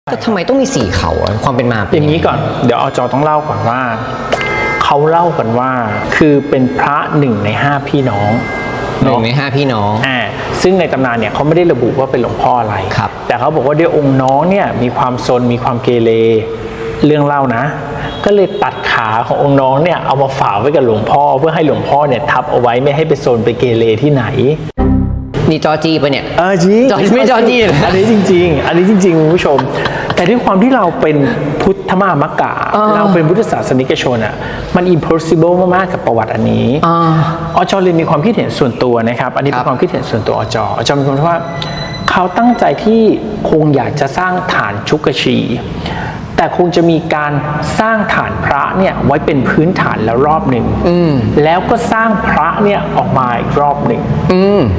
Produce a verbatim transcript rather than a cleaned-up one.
ก็ทำไมต้องมีสี่เขาอะความเป็นมาเป็นอย่างนี้ก่อนเดี๋ยวอจต้องเล่าก่อนว่าเขาเล่ากันว่าคือเป็นพระหนึ่งในห้าพี่น้องหนึ่งในห้าพี่น้องอ่าซึ่งในตำนานเนี่ยเขาไม่ได้ระบุว่าเป็นหลวงพ่ออะไรครับแต่เขาบอกว่าด้วยองค์น้องเนี่ยมีความซนมีความเกเรเรื่องเล่านะ ก็เลยตัดขาขององค์น้องเนี่ยเอามาฝากไว้กับหลวงพ่อเพื่อให้หลวงพ่อเนี่ยทับเอาไว้ไม่ให้ไปซนไปเกเรที่ไหนนี่จอจีไปะเนี่ยเออจริงจอไม่จอจี้เหรออันนี้จริงๆ อันนี้จริงๆคุณผู้ชม แต่ด้วยความที่เราเป็นพุทธมามกะอ่าเราเป็นพุทธศาสนิกชนอ่ะมัน impossible มากๆกับประวัติอันนี้อ่าอจเลยมีความคิดเห็นส่วนตัวนะครับอันนี้เป็นความคิดเห็นส่วนตัวอจอจมีความคิดว่าเขาตั้งใจที่คงอยากจะสร้างฐานชุกชี แต่คงจะมีการสร้างฐานพระเนี่ยไว้เป็นพื้นฐานแล้วรอบหนึ่งแล้วก็สร้างพระเนี่ยออกมาอีกรอบหนึ่ง